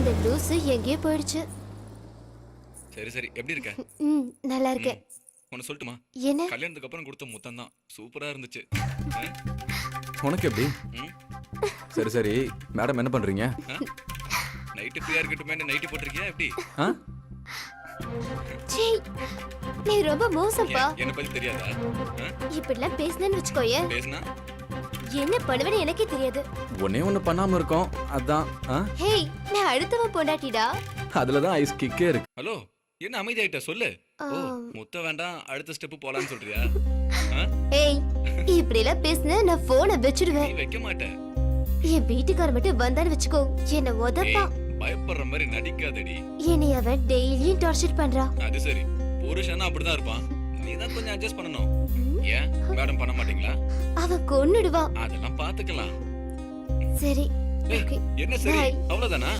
அந்த லூசு எங்கேயோ போயிடுச்சு. சரி சரி, எப்படி இருக்க? நல்லா இருக்கேன். உன்னை சொல்லட்டுமா? என்ன? கல்யாணத்துக்கு அப்புறம் கொடுத்த முத்தம் தான் சூப்பரா இருந்துச்சு. உனக்கு எப்படி? ம்? சரி சரி, மேடம் என்ன பண்றீங்க? நைட்டு ஃப்ரீயா இருக்கட்டுமே நைட்டு போட்டிருக்கியா எப்படி? ஆ? சீ, நீ ரொம்ப மோசம்ப்பா. என்ன பத்தி தெரியாதா? இப்படிலாம் பேசுனேன்னு வச்சுக்கோயே, பேசுனா என்ன பண்ணுவேன்னு எனக்கே தெரியாது. ஒன்னே ஒண்ணு பண்ணாம இருக்கோம், அதான். ஆ? ஹேய், நான் அடுத்தவன் பொண்டாட்டிடா. அதுலதான் ஐஸ் கிக்கே இருக்கு. ஹலோ, என்ன அமைதியாயிட்ட சொல்லு. ஓ, முத்த வேண்டாம், அடுத்த ஸ்டெப் போலான்னு சொல்றியா? ஆ? ஏய், இப்படிலாம் பேசுன நான் போனை நீ வச்சிடுவேன். வைக்க மாட்ட. என் வீட்டுக்கார மட்டும் வந்தான்னு வச்சுக்கோ, என்ன உதப்பா. ஏய், பயப்படுற மாதிரி நடிக்காதடி. என்னை அவன் டெய்லியும் டார்ச்சர் பண்றான். அது சரி, புருஷனா அப்படிதான் இருப்பான். நீ தான் கொஞ்சம் அட்ஜஸ்ட் பண்ணணும். ஏன் மேடம் பண்ண மாட்டீங்களா? அவன் கொன்னுடுவான். அதெல்லாம் பாத்துக்கலாம். சரி, ஏய், ஓகே, என்ன சரி, Bye. அவ்வளவுதானா?